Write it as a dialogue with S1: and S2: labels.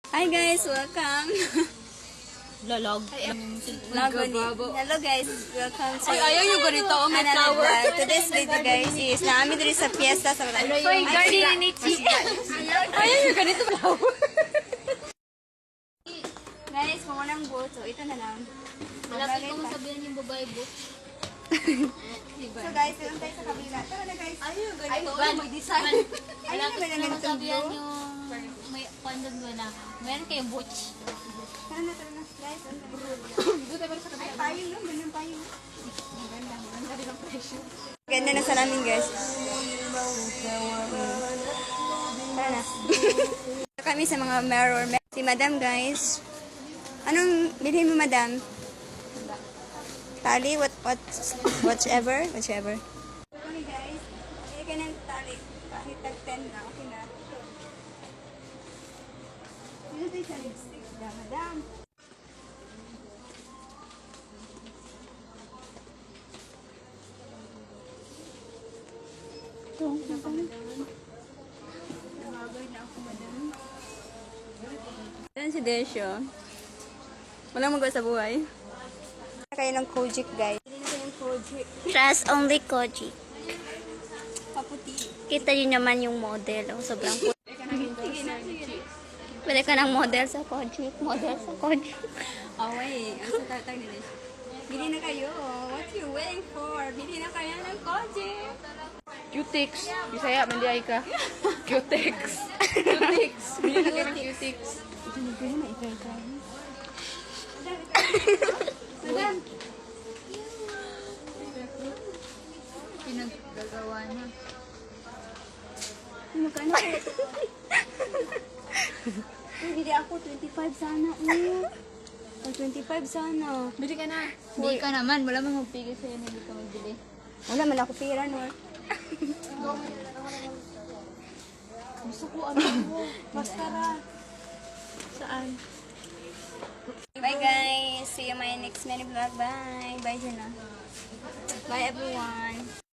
S1: Hi guys, welcome.
S2: Lalog.
S1: Hello guys, welcome to
S2: Ayaw yung ganito, oh, may
S1: another
S2: flower.
S1: vlog. Today's video guys is naami diri sa fiesta sa
S2: Hoy, guardian ni Chi. Ayaw yung ganito flower.
S1: Guys, kung walang boto, ito na lang.
S2: Malapit ko masabihan yung babae book.
S1: So guys, doon tayo sa kabila. Tara na guys.
S2: Ayaw yung
S1: Ay,
S2: ganito.
S1: ban, mag-design. Ay,
S2: Malapit
S1: naman
S2: ko
S1: ang ganitong
S2: masabihan
S1: blue.
S2: yung may pandang na. Meron kayong butch.
S1: Tara na. Guys, doon tayo. Ay, payong lang. Ganun payong. Maganda rin ang presyo. Ganda na sa namin guys. Tara na. Ito kami sa mga mirror. Si madam guys. Anong bilhin mo madam? Tali? Whichever? Okay guys. Hindi ka ng tali. Kahit tag 10 na. Okay na. Dito tayo sa lipstick. Madam. Ito. Nabagay na ako madam. Yan si Desyo. Walang magawa sa buhay. Kayo ng Kojic guys. Hindi na kayo ng Kojic.
S3: Trust only Koji.
S1: Paputi.
S3: Kita yun naman yung model. Oh, sobrang cool.
S1: Sige na.
S3: Pwede ka ng model sa Koji. Model sa Koji.
S1: Away. Ang sa tatag nila. Bili na kayo. What you waiting for? Bili na kayo ng Kojic.
S2: Cutex. Bisaya, mandiay ka. Cutex. Cutex. Bili na kayo ng Cutex.
S1: Ito na kayo na ikay-ikay. Madam.
S2: Pinaggagawa niya.
S1: Magkano? Bili ako 25 sana. Ay, 25 sana.
S2: Bili ka na. Hindi ka naman. Wala mang magpigil sa'yo na hindi ka magbili.
S1: Wala man ako pira, no?
S2: Gusto ko ano mo. Maskara.
S1: Saan? Bye guys. See you in my next mini vlog. Bye. Bye Jenna. Bye everyone.